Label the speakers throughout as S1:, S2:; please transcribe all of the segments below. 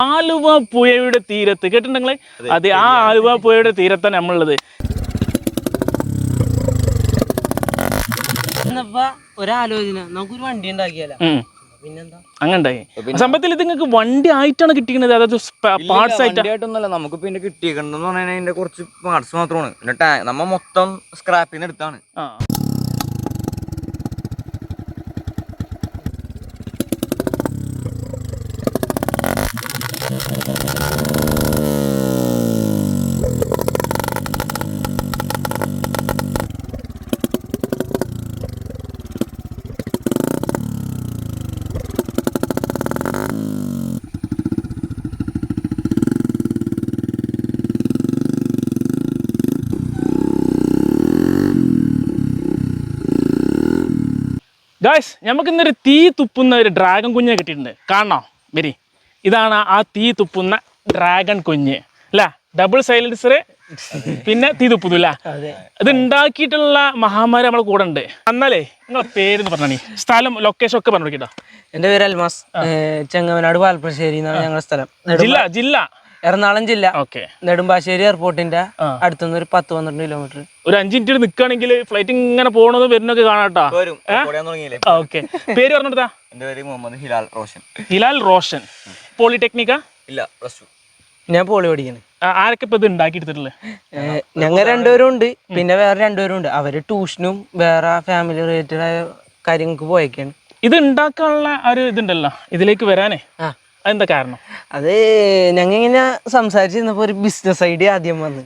S1: ആലുവ പുഴയുടെ തീരത്ത് കേട്ടിട്ടുണ്ടെങ്കിൽ അതെ, ആ ആലുവ പുഴയുടെ തീരത്താണ് നമ്മളുള്ളത്.
S2: ഒരാലോചന നമുക്കൊരു വണ്ടി ഉണ്ടാക്കിയാലോ, പിന്നെന്താ
S1: അങ്ങനെ സംഭവത്തിൽ ഇത് നിങ്ങൾക്ക് വണ്ടി ആയിട്ടാണ് കിട്ടിയത്, അതായത് പാർട്സ്
S3: ആയിട്ടൊന്നുമല്ല. നമുക്ക് പിന്നെ കിട്ടിയേക്കണെന്ന് പറഞ്ഞാൽ അതിന്റെ കുറച്ച് പാർട്സ് മാത്രമാണ്. പിന്നെ നമ്മ മൊത്തം സ്ക്രാപ്പിൽ നിന്ന് എടുത്താണ്.
S1: ഗായ്സ്, നമുക്കിന്നൊരു തീ തുപ്പുന്ന ഒരു ഡ്രാഗൺ കുഞ്ഞിനെ കിട്ടിയിട്ടുണ്ട്. കാണണോ? വരി, ഇതാണ് ആ തീ തുപ്പുന്ന ഡ്രാഗൺ കുഞ്ഞ് അല്ല, ഡബിൾ സൈലൻസർ പിന്നെ തീ തുപ്പുന്നു അല്ല. ഇത് ഉണ്ടാക്കിയിട്ടുള്ള മഹാമാരി നമ്മളെ കൂടെ ഉണ്ട്. എന്നാലേ നിങ്ങളെ പേരെന്ന് പറഞ്ഞാൽ സ്ഥലം ലൊക്കേഷൻ ഒക്കെ പറഞ്ഞു കേട്ടോ.
S2: എൻ്റെ പേര് അൽമാസ്, ചെങ്ങമനാട് പാൽപ്പശ്ശേരി എന്നാണ് ഞങ്ങളുടെ സ്ഥലം.
S1: ജില്ല
S2: എറണാകുളം ജില്ല.
S1: ഓക്കെ.
S2: നെടുമ്പാശ്ശേരി എയർപോർട്ടിന്റെ അടുത്തുനിന്ന് ഒരു 10-12 കിലോമീറ്റർ.
S1: ഒരു 5 മിനിറ്റ് നിൽക്കുകയാണെങ്കിൽ ഫ്ലൈറ്റ് ഇങ്ങനെ പോകണത് വരുന്നൊക്കെ കാണാട്ടോ. ഓക്കെ. പേര് പറഞ്ഞെടുത്താ?
S3: എൻ്റെ പേര് മുഹമ്മദ് ഹിലാൽ റോഷൻ.
S1: ഹിലാൽ റോഷൻ. പോളിടെക്നിക്കാ?
S3: ഇല്ല, +2.
S2: ഞാൻ പോളി പഠിക്കുന്നത്.
S1: ആരൊക്കെ ഇപ്പൊ ഇത് ഉണ്ടാക്കിയെടുത്തിട്ടുള്ളത്?
S2: ഞങ്ങൾ രണ്ടുപേരും ഉണ്ട്, പിന്നെ വേറെ രണ്ടുപേരും ഉണ്ട്. അവര് ട്യൂഷനും വേറെ ഫാമിലി റിലേറ്റഡ് ആയ കാര്യങ്ങൾക്ക് പോയേക്കാണ്.
S1: ഇത് ഉണ്ടാക്കാനുള്ള ഒരു ഇതുണ്ടല്ലോ, ഇതിലേക്ക് വരാനേ അതെന്താ കാരണം?
S2: അത് ഞങ്ങൾ ഇങ്ങനെ സംസാരിച്ചിരുന്നപ്പോ ഒരു ബിസിനസ് ഐഡിയ ആദ്യം വന്ന്.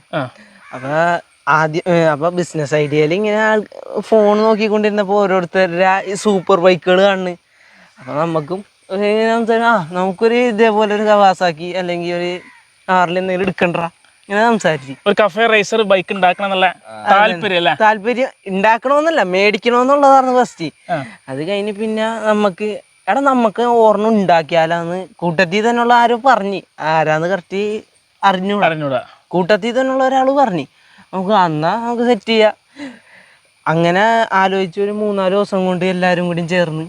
S2: അപ്പൊ ബിസിനസ് ഐഡിയയിൽ ഇങ്ങനെ ഫോൺ നോക്കിക്കൊണ്ടിരുന്നപ്പോ ഓരോരുത്തരുടെ സൂപ്പർ ബൈക്കുകൾ കാണുന്നു. അപ്പൊ നമുക്കും നമുക്കൊരു ഇതേപോലെ ഒരു കവാസാക്കി അല്ലെങ്കിൽ ഒരു കാറിൽ എന്തെങ്കിലും എടുക്കണ്ട ഇങ്ങനെ സംസാരിച്ചു.
S1: ഒരു കഫേ റേസർ ബൈക്ക് ഉണ്ടാക്കണം എന്നുള്ള
S2: താല്പര്യം ഉണ്ടാക്കണമെന്നല്ല, മേടിക്കണമെന്നുള്ളതാണ് ഫസ്റ്റ്. അത് കഴിഞ്ഞ് പിന്നെ നമുക്ക് ഓർമ്മ ഉണ്ടാക്കിയാലാന്ന് കൂട്ടത്തിൽ തന്നെയുള്ള ആരോ പറഞ്ഞ്, ആരാന്ന് കറക്റ്റ് അറിഞ്ഞൂടാ. കൂട്ടത്തിൽ തന്നെയുള്ള ഒരാൾ പറഞ്ഞ് നമുക്ക് സെറ്റ് ചെയ്യാം. അങ്ങനെ ആലോചിച്ച് ഒരു 3-4 ദിവസം കൊണ്ട് എല്ലാവരും കൂടി ചേർന്ന്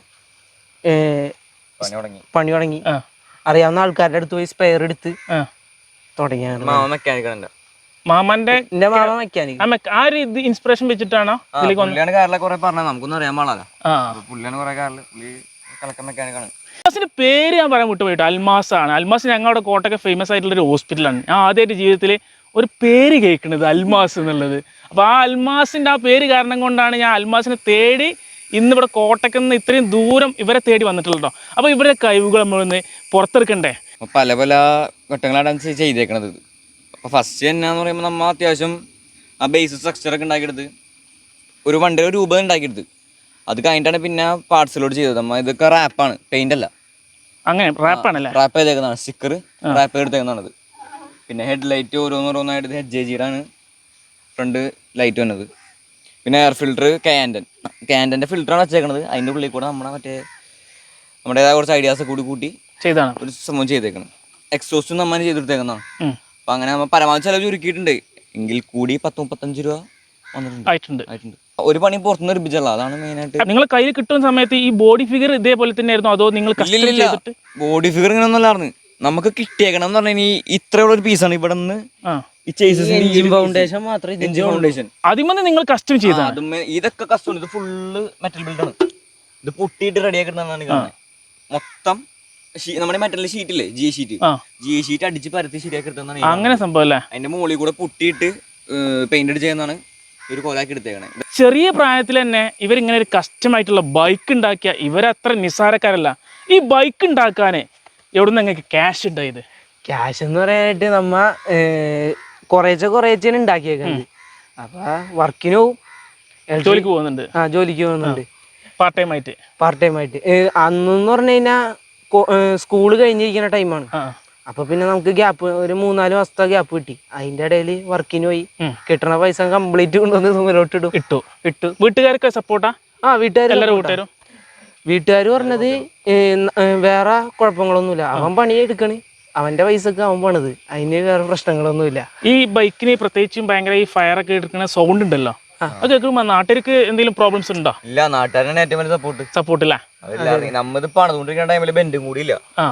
S2: പണി തുടങ്ങി. അറിയാവുന്ന ആൾക്കാരുടെ അടുത്ത് പോയി സ്പെയർ എടുത്ത് തുടങ്ങിയാണ്.
S1: മാമന്റെ
S2: മാമ മെക്കാനിക്.
S1: ആ ഒരു ഇൻസ്പിറേഷൻ വെച്ചിട്ടാണോ
S3: കാറിലെ കുറെ പറഞ്ഞ നമുക്കൊന്നും അറിയാൻ പാടില്ല. പുള്ളിയാണ് കുറെ കാറില് മെക്കാനിക്കാണ്.
S1: അൽമാസിന്റെ പേര് ഞാൻ പറയാൻ വിട്ടുപോയിട്ട്, അൽമാസ് ആണ്. അൽമാസ് ഞങ്ങളുടെ കോട്ടയൊക്കെ ഫേമസ് ആയിട്ടുള്ള ഒരു ഹോസ്പിറ്റലാണ്. ഞാൻ ആദ്യമായിട്ട് ജീവിതത്തിൽ ഒരു പേര് കേൾക്കുന്നത് അൽമാസ് എന്നുള്ളത്. അപ്പോൾ ആ അൽമാസിന്റെ ആ പേര് കാരണം കൊണ്ടാണ് ഞാൻ അൽമാസിനെ തേടി ഇന്നിവിടെ കോട്ടയ്ക്ക് നിന്ന് ഇത്രയും ദൂരം ഇവരെ തേടി വന്നിട്ടുള്ളൂ. അപ്പോൾ ഇവരുടെ കഴിവുകൾ നമ്മളൊന്ന് പുറത്തെടുക്കണ്ടേ?
S3: പല പല ഘട്ടങ്ങളാണ് ചെയ്തേക്കണത്. അപ്പോൾ ഫസ്റ്റ് എന്നാന്ന് പറയുമ്പോൾ നമ്മൾ അത്യാവശ്യം ആ ബേസ് സ്ട്രക്ചറൊക്കെ ഉണ്ടാക്കിയെടുത്ത് ഒരു വണ്ടിയുടെ രൂപം ഉണ്ടാക്കിയെടുത്ത് അത് കഴിഞ്ഞിട്ടാണ് പിന്നെ പാർട്സിലോട് ചെയ്തത്. നമ്മൾ ഇതൊക്കെ റാപ്പാണ്, പെയിന്റ് അല്ല.
S1: അങ്ങനെ റാപ്പാണല്ലേ?
S3: റാപ്പ് ചെയ്തേക്കുന്നതാണ്, സ്റ്റിക്കർ റാപ്പ് എടുത്തേക്കുന്നതാണത്. പിന്നെ ഹെഡ് ലൈറ്റ് ഓരോന്നോരോന്നായിട്ട് HJGയുടെ ഫ്രണ്ട് ലൈറ്റ് വന്നത്. പിന്നെ എയർ ഫിൽറ്റർ ക്യാൻഡൻ്റെ ഫിൽറ്ററാണ് വെച്ചേക്കണത്. അതിൻ്റെ ഉള്ളിൽ കൂടെ നമ്മുടേതായ കുറച്ച് ഐഡിയാസ് കൂട്ടി ചെയ്താണ് ഒരു സംഭവം ചെയ്തേക്കുന്നത്. എക്സോസ്റ്റും നമ്മൾ ചെയ്തെടുത്തേക്കുന്നതാണ്. അപ്പം അങ്ങനെ നമ്മൾ പരമാവധി ചിലവ് ചുരുക്കിയിട്ടുണ്ട്. എങ്കിൽ കൂടി 10-35 രൂപ വന്നിട്ടുണ്ട്. ഒരു പണി പുറത്തുനിന്ന് ഒരുപ്പിച്ചല്ല, അതാണ് മെയിനായിട്ട്.
S1: നിങ്ങൾ കയ്യിൽ കിട്ടുന്ന സമയത്ത് ഈ ബോഡി ഫിഗർ ഇതേപോലെ തന്നെ ആയിരുന്നു അതോ നിങ്ങൾ
S3: ബോഡി ഫിഗർ ഇങ്ങനെ ഒന്നല്ലായിരുന്നു നമുക്ക് കിട്ടിയേക്കണം എന്ന് പറഞ്ഞാൽ ഇത്രയുള്ള ഒരു പീസാണ് ഇവിടെ നിന്ന്
S1: അതിമന്ന് നിങ്ങൾ കസ്റ്റം ചെയ്തത്.
S3: ഇതൊക്കെ കസ്റ്റം, ഇത് ഫുള്ള് മെറ്റൽ ബിൽഡാണ്. ഇത് പൊട്ടിയിട്ട് റെഡിയാക്കിട്ടാണ് കാണുന്നത്. മൊത്തം നമ്മുടെ മെറ്റൽ ഷീറ്റില്ലേ, ജി ഷീറ്റ് അടിച്ച് പരത്തി ശരിയാക്കി എടുത്താണ്.
S1: അങ്ങനെ സംഭവം അല്ലേ?
S3: അതിന്റെ മുകളിൽ കൂടെ പൊട്ടിയിട്ട് പെയിന്റ് അടിച്ച് ചെയ്യുന്നതാണ് ഒരു കോലാക്കി എടുത്തേക്കണേ.
S1: ചെറിയ പ്രായത്തിൽ തന്നെ ഇവരിങ്ങനെ ഒരു കസ്റ്റമായിട്ടുള്ള ബൈക്ക് ഉണ്ടാക്കിയ ഇവരത്ര നിസ്സാരക്കാരല്ല. ഈ ബൈക്ക് ഉണ്ടാക്കാന് എവിടുന്ന് നിങ്ങൾക്ക് ക്യാഷ് ഉണ്ടായത്?
S2: ക്യാഷ് എന്ന് പറയാനായിട്ട് നമ്മ കുറേശ്ശെ ഉണ്ടാക്കിയേക്കുന്നത്. അപ്പൊ വർക്കിന് പോവും,
S1: ജോലിക്ക് പോകുന്നുണ്ട്.
S2: ജോലിക്ക് പോകുന്നുണ്ട്
S1: പാർട്ട് ടൈം ആയിട്ട്.
S2: അന്നെന്ന് പറഞ്ഞു കഴിഞ്ഞാൽ സ്കൂള് കഴിഞ്ഞിരിക്കുന്ന ടൈമാണ്. അപ്പൊ പിന്നെ നമുക്ക് ഗ്യാപ്പ് ഒരു 3-4 മാസത്തെ ഗ്യാപ്പ് കിട്ടി. അതിന്റെ ഇടയിൽ വർക്കിന് പോയി കിട്ടണ പൈസ കംപ്ലീറ്റ് കൊണ്ടുവന്ന് സുമലോട്ട് ഇട്ടു.
S1: വീട്ടുകാർക്ക് സപ്പോർട്ടാ?
S2: വീട്ടുകാർ പറഞ്ഞത് വേറെ കുഴപ്പങ്ങളൊന്നുമില്ല, അവൻ പണിയെടുക്കണ്, അവന്റെ പൈസക്ക് അവൻ പണിത്, അതിന് വേറെ പ്രശ്നങ്ങളൊന്നുമില്ല.
S1: ഈ ബൈക്കിന് പ്രത്യേകിച്ചും ഭയങ്കര ഈ ഫയർ ഒക്കെ എടുക്കുന്ന സൗണ്ട് ഉണ്ടല്ലോ, അത് കേൾക്കുമ്പോ നാട്ടുകാർക്ക് എന്തെങ്കിലും പ്രോബ്ലംസ് ഉണ്ടോ?
S3: ഇല്ല, നാട്ടുകാരാണ് ഏറ്റവും വലിയ സപ്പോർട്ട്.
S1: സപ്പോർട്ടില്ല.
S3: നമ്മളിത് പണിതുകൊണ്ടിരിക്കുന്ന ടൈമില് ബെൻഡും കൂടി ഇല്ല,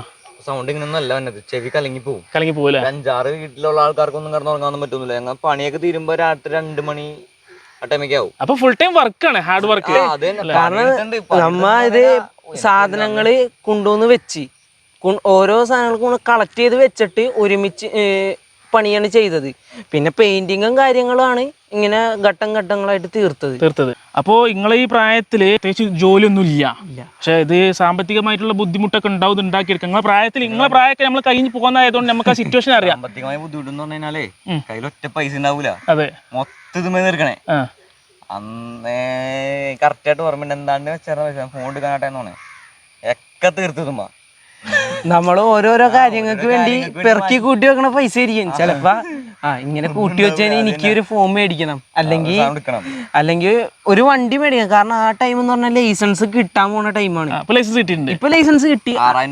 S3: സൗണ്ട് ഇങ്ങനെ അല്ല വന്നത്, ചെവി കലങ്ങി പോകും.
S1: കലങ്ങി പോകില്ല.
S3: 5-6 വീട്ടിലുള്ള ആൾക്കാർക്കൊന്നും കിടന്നുറങ്ങാനൊന്നും പറ്റുന്നില്ല. ഞങ്ങൾ പണിയൊക്കെ തീരുമ്പോ രാത്രി 2 മണി ആ ടൈമൊക്കെ ആവും.
S1: അപ്പൊ ഫുൾ ടൈം വർക്കാണ്, ഹാർഡ് വർക്ക്.
S2: കാരണം നമ്മ ഇത് സാധനങ്ങള് കൊണ്ടുവന്ന് വെച്ച് ഓരോ സാധനങ്ങളും കളക്ട് ചെയ്ത് വെച്ചിട്ട് ഒരുമിച്ച് പണിയാണ് ചെയ്തത്. പിന്നെ പെയിന്റിങ്ങും കാര്യങ്ങളുമാണ് ഇങ്ങനെ ഘട്ടങ്ങളായിട്ട് തീർത്തത്.
S1: അപ്പോൾ നിങ്ങളെ ഈ പ്രായത്തില് പ്രത്യേകിച്ച് ജോലിയൊന്നും ഇല്ല, പക്ഷെ ഇത് സാമ്പത്തികമായിട്ടുള്ള ബുദ്ധിമുട്ടൊക്കെ ഉണ്ടാവും ഉണ്ടാക്കിയെടുക്കുക. നിങ്ങളെ പ്രായമൊക്കെ നമ്മൾ കഴിഞ്ഞ് പോകുന്നതായതുകൊണ്ട് നമുക്ക് ആ സിറ്റുവേഷൻ അറിയാം.
S3: സാമ്പത്തികമായ ബുദ്ധിമുട്ടെന്ന് പറഞ്ഞു കഴിഞ്ഞാലേ കയ്യിൽ ഒറ്റ പൈസ ഉണ്ടാവൂല.
S1: അതെ,
S3: മൊത്തം തീർക്കണേ. അന്നേ കറക്റ്റായിട്ട് ഓർമ്മ എന്താണ്ട് വെച്ചാൽ ഫോൺ എടുക്കാനാട്ടെന്ന് ഒക്കെ തീർത്തതുമ്പോ
S2: നമ്മൾ ഓരോരോ കാര്യങ്ങൾക്ക് വേണ്ടി പെറുക്കി കൂട്ടി വെക്കണ പൈസ ആയിരിക്കും ചിലപ്പോ. ഇങ്ങനെ കൂട്ടി വെച്ചാൽ എനിക്ക് ഒരു ഫോം മേടിക്കണം, അല്ലെങ്കിൽ ഒരു വണ്ടി മേടിക്കണം. കാരണം ആ ടൈം എന്ന് പറഞ്ഞാൽ ലൈസൻസ് കിട്ടാൻ പോണ ടൈമാണ്. ഇപ്പൊ ലൈസൻസ് കിട്ടി.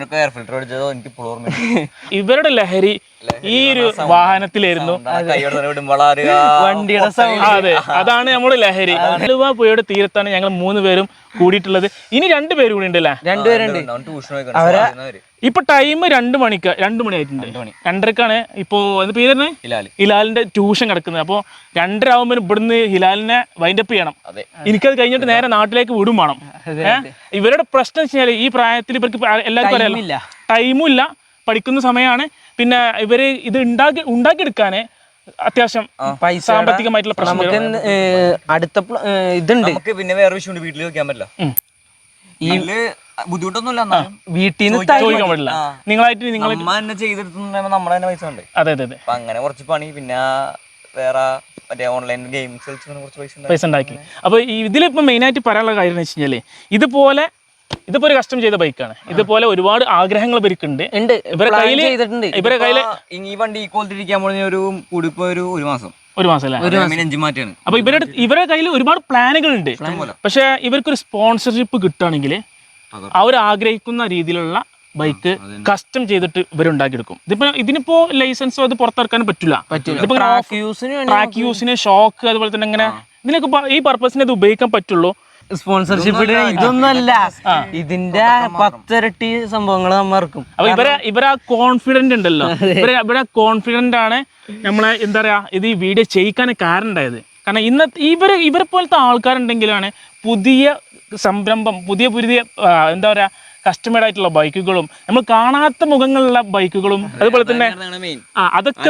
S1: ഇവരുടെ ലഹരി ഈ ഒരു വാഹനത്തിലായിരുന്നു,
S2: വണ്ടിയുടെ സൗണ്ട്.
S1: അതെ, അതാണ് നമ്മുടെ ലഹരി. ആലുവ പുഴയുടെ തീരത്താണ് ഞങ്ങൾ 3 പേരും കൂടിയിട്ടുള്ളത്. ഇനി 2 പേര് കൂടി ഉണ്ടല്ലേ?
S2: 2 പേരുണ്ട്. അവരെ
S1: ഇപ്പൊ ടൈം 2 മണി ആയിട്ടുണ്ട്. 2:30ക്കാണ് ഇപ്പോ പേര് ഹിലാലിന്റെ ട്യൂഷൻ കിടക്കുന്നത്. അപ്പൊ 2:30 ആവുമ്പോൾ ഇവിടുന്ന് ഹിലാലിനെ വൈൻഡപ്പ് ചെയ്യണം. എനിക്കത് കഴിഞ്ഞിട്ട് നേരെ നാട്ടിലേക്ക് വിടും വേണം. ഇവരുടെ പ്രശ്നം വെച്ചാൽ ഈ പ്രായത്തിൽ ഇവർക്ക് എല്ലാവർക്കും അറിയാലോ, ടൈമും ഇല്ല, പഠിക്കുന്ന സമയമാണ്. പിന്നെ ഇവര് ഇത് ഉണ്ടാക്കിയെടുക്കാന് അത്യാവശ്യം സാമ്പത്തികമായിട്ടുള്ള പ്രശ്നം.
S2: അടുത്ത ഇതുണ്ട്.
S3: പിന്നെ വേറെ വിഷയമുണ്ട്, വീട്ടിൽ വെക്കാൻ പറ്റില്ല. ബുദ്ധിമുട്ടൊന്നുമില്ല,
S2: വീട്ടിൽ നിന്ന്
S1: ചോദിക്കാൻ പറ്റില്ല. നിങ്ങളായിട്ട് നിങ്ങൾ
S3: തന്നെ ചെയ്തെടുത്തുമ്പോ നമ്മുടെ തന്നെ പൈസ ഉണ്ട്.
S1: അതെ അതെ അതെ.
S3: അപ്പൊ അങ്ങനെ കുറച്ച് പണി, പിന്നെ വേറെ മറ്റേ ഓൺലൈൻ ഗെയിംസ് കളിച്ച് കുറച്ച്
S1: പൈസ ഉണ്ടാക്കി. അപ്പൊ ഇതിലിപ്പോ മെയിൻ ആയിട്ട് പറയാനുള്ള കാര്യം എന്ന് വെച്ച് കഴിഞ്ഞാല് ഇതിപ്പോ ഒരു കസ്റ്റം ചെയ്ത ബൈക്കാണ്. ഇതുപോലെ ഒരുപാട് ആഗ്രഹങ്ങൾ ഇവർക്കുണ്ട്. ഇവരെ കയ്യില്
S3: ഈ വണ്ടി ഈ ക്വാളിറ്റി ഒരു കൂടിപ്പോ ഒരു മാസം എഞ്ചിൻ മാറ്റാണ്.
S1: അപ്പൊ ഇവരുടെ കയ്യിൽ ഒരുപാട് പ്ലാനുകൾ ഉണ്ട്. പക്ഷെ ഇവർക്കൊരു സ്പോൺസർഷിപ്പ് കിട്ടുകയാണെങ്കിൽ അവർ ആഗ്രഹിക്കുന്ന രീതിയിലുള്ള ബൈക്ക് കസ്റ്റം ചെയ്തിട്ട് ഇവരുണ്ടാക്കിയെടുക്കും. ഇതിനിപ്പോ ലൈസൻസോ അത് പുറത്തിറക്കാനും പറ്റില്ല. ട്രാക്ക് യൂസിന്, ഷോക്ക്, അതുപോലെ തന്നെ ഇങ്ങനെ ഇതിനൊക്കെ ഈ പർപ്പസിന് ഇത് ഉപയോഗിക്കാൻ പറ്റുള്ളൂ.
S2: സ്പോൺസർഷിപ്പ് ഇതൊന്നുമല്ല, ഇതിന്റെ 10 ഇരട്ടി സംഭവങ്ങൾ നമ്മ ഇറക്കും.
S1: അപ്പൊ ഇവരാ കോൺഫിഡന്റ് ഉണ്ടല്ലോ, ഇവരെ കോൺഫിഡന്റ് ആണ് നമ്മളെ എന്താ പറയാ ഇത് ഈ വീഡിയോ ചെയ്യിക്കാൻ കാരണം ഉണ്ടായത്. കാരണം ഇവരെ പോലത്തെ ആൾക്കാരുണ്ടെങ്കിലാണ് പുതിയ സംരംഭം, പുതിയ എന്താ പറയാ കസ്റ്റമേഡ് ആയിട്ടുള്ള ബൈക്കുകളും, നമ്മൾ കാണാത്ത മുഖങ്ങളുള്ള ബൈക്കുകളും, അതുപോലെ തന്നെ അതൊക്കെ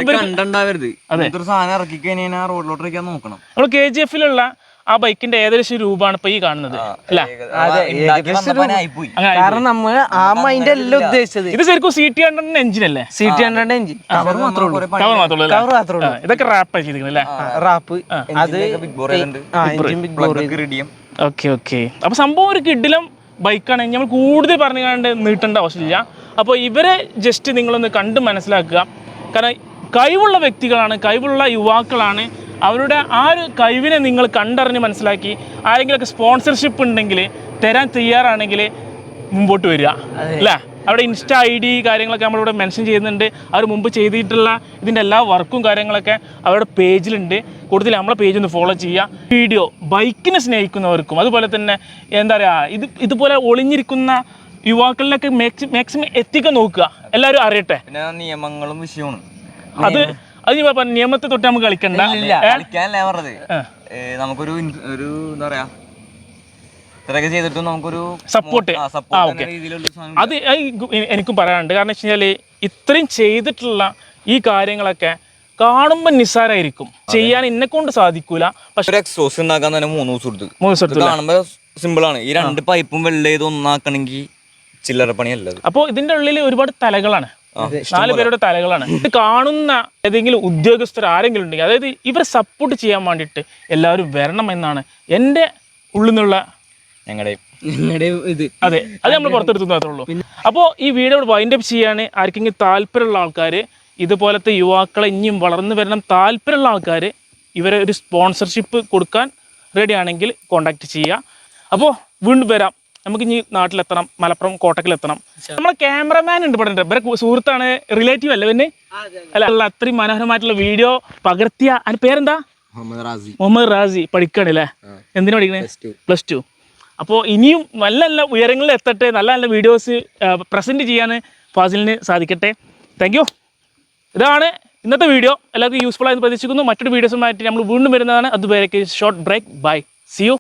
S1: നമ്മൾ KGF-ലുള്ള ആ ബൈക്കിന്റെ ഏകദേശം രൂപമാണ് ഇപ്പൊ ഈ കാണുന്നത്.
S2: കാരണം നമ്മൾ ആ മൈൻഡ് അല്ല ഉദ്ദേശിച്ചത്.
S1: ഇത് ശരിക്കും CT100 എഞ്ചിൻ അല്ലേ?
S2: CT100 എഞ്ചിൻ കവർ മാത്രമേ ഉള്ളൂ.
S1: ഇതൊക്കെ റാപ്പ് ചെയ്തിരിക്കുന്നത് റാപ്പ്.
S2: അത്
S1: ഓക്കെ. അപ്പൊ സംഭവം ഒരു കിഡിലും ബൈക്കാണ്. നമ്മൾ കൂടുതൽ പറഞ്ഞുകൊണ്ട് നീട്ടേണ്ട ആവശ്യമില്ല. അപ്പോൾ ഇവരെ ജസ്റ്റ് നിങ്ങളൊന്ന് കണ്ട് മനസ്സിലാക്കുക. കാരണം കഴിവുള്ള വ്യക്തികളാണ്, കഴിവുള്ള യുവാക്കളാണ്. അവരുടെ ആ ഒരു കഴിവിനെ നിങ്ങൾ കണ്ടറിഞ്ഞ് മനസ്സിലാക്കി ആരെങ്കിലുമൊക്കെ സ്പോൺസർഷിപ്പ് ഉണ്ടെങ്കിൽ തരാൻ തയ്യാറാണെങ്കിൽ മുമ്പോട്ട് വരിക അല്ലേ? അവിടെ ഇൻസ്റ്റാ ID കാര്യങ്ങളൊക്കെ നമ്മളിവിടെ മെൻഷൻ ചെയ്യുന്നുണ്ട്. അവർ മുമ്പ് ചെയ്തിട്ടുള്ള ഇതിൻ്റെ എല്ലാ വർക്കും കാര്യങ്ങളൊക്കെ അവരുടെ പേജിലുണ്ട്. കൂടുതൽ നമ്മളെ പേജ് ഒന്ന് ഫോളോ ചെയ്യുക. വീഡിയോ ബൈക്കിനെ സ്നേഹിക്കുന്നവർക്കും അതുപോലെ തന്നെ എന്താ പറയുക ഇതുപോലെ ഒളിഞ്ഞിരിക്കുന്ന യുവാക്കളിലൊക്കെ മാക്സിമം എത്തിക്കാൻ നോക്കുക, എല്ലാവരും അറിയട്ടെ.
S3: പിന്നെ നിയമങ്ങളും വിഷയമാണ്.
S1: അത് നിയമത്തെ തൊട്ട് നമുക്ക് കളിക്കണ്ട.
S3: നമുക്കൊരു എന്താ പറയാ ഇത്രയൊക്കെ ചെയ്തിട്ടും നമുക്കൊരു
S1: സപ്പോർട്ട്. അത് എനിക്കും പറയാനുണ്ട്. കാരണം വെച്ച് കഴിഞ്ഞാൽ ഇത്രയും ചെയ്തിട്ടുള്ള ഈ കാര്യങ്ങളൊക്കെ കാണുമ്പോൾ നിസ്സാരമായിരിക്കും, ചെയ്യാൻ എന്നെ കൊണ്ട് സാധിക്കൂല. പക്ഷെ
S3: എക്സോസ് ഉണ്ടാക്കാൻ തന്നെ 3 ദിവസം എടുത്തു. കാണുമ്പോൾ സിമ്പിൾ ആണ്. ഈ 2 പൈപ്പും വെള്ളം ചെയ്ത് ഒന്നാക്കണമെങ്കിൽ ചില്ലറ പണിയല്ല.
S1: അപ്പോൾ ഇതിന്റെ ഉള്ളിൽ ഒരുപാട് തലകളാണ്, 4 പേരുടെ തലകളാണ്. ഇത് കാണുന്ന ഏതെങ്കിലും ഉദ്യോഗസ്ഥർ ആരെങ്കിലും ഉണ്ടെങ്കിൽ, അതായത് ഇവരെ സപ്പോർട്ട് ചെയ്യാൻ വേണ്ടിയിട്ട് എല്ലാവരും വരണം എന്നാണ് എൻ്റെ ഉള്ളിൽ നിന്നുള്ള
S3: ഞങ്ങളുടെ
S2: ഇത്.
S1: അതെ, അത് നമ്മൾ പുറത്തെടുത്തു മാത്രമേ ഉള്ളൂ. അപ്പോൾ ഈ വീഡിയോ വൈൻഡപ്പ് ചെയ്യാൻ ആർക്കെങ്കിലും താല്പര്യമുള്ള ആൾക്കാർ, ഇതുപോലത്തെ യുവാക്കളെ ഇനിയും വളർന്നു വരണം താല്പര്യമുള്ള ആൾക്കാർ ഇവരെ ഒരു സ്പോൺസർഷിപ്പ് കൊടുക്കാൻ റെഡി ആണെങ്കിൽ കോൺടാക്ട് ചെയ്യുക. അപ്പോൾ വീണ്ടും വരാം. നമുക്ക് ഇനി നാട്ടിലെത്തണം, മലപ്പുറം കോട്ടക്കിലെത്തണം. നമ്മളെ ക്യാമറമാൻ ഉണ്ട് ഇവിടെ, ഇവരെ സുഹൃത്താണ്, റിലേറ്റീവ് അല്ലേ പിന്നെ? അല്ല, അത്രയും മനോഹരമായിട്ടുള്ള വീഡിയോ പകർത്തിയ അതിന് പേരെന്താ? മുഹമ്മദ് റാസി. പഠിക്കണല്ലേ? എന്തിനാ പഠിക്കണേ? +2. അപ്പോൾ ഇനിയും നല്ല നല്ല ഉയരങ്ങളിൽ എത്തട്ടെ, നല്ല നല്ല വീഡിയോസ് പ്രസൻറ്റ് ചെയ്യാൻ ഫാസിലിന് സാധിക്കട്ടെ. Thank you. ഇതാണ് ഇന്നത്തെ വീഡിയോ. എല്ലാവർക്കും യൂസ്ഫുൾ ആയെന്ന് പ്രതീക്ഷിക്കുന്നു. മറ്റൊരു വീഡിയോസുമായിട്ട് നമ്മൾ വീണ്ടും വരുന്നതാണ്. അതുവരേക്ക് short break. Bye. See U.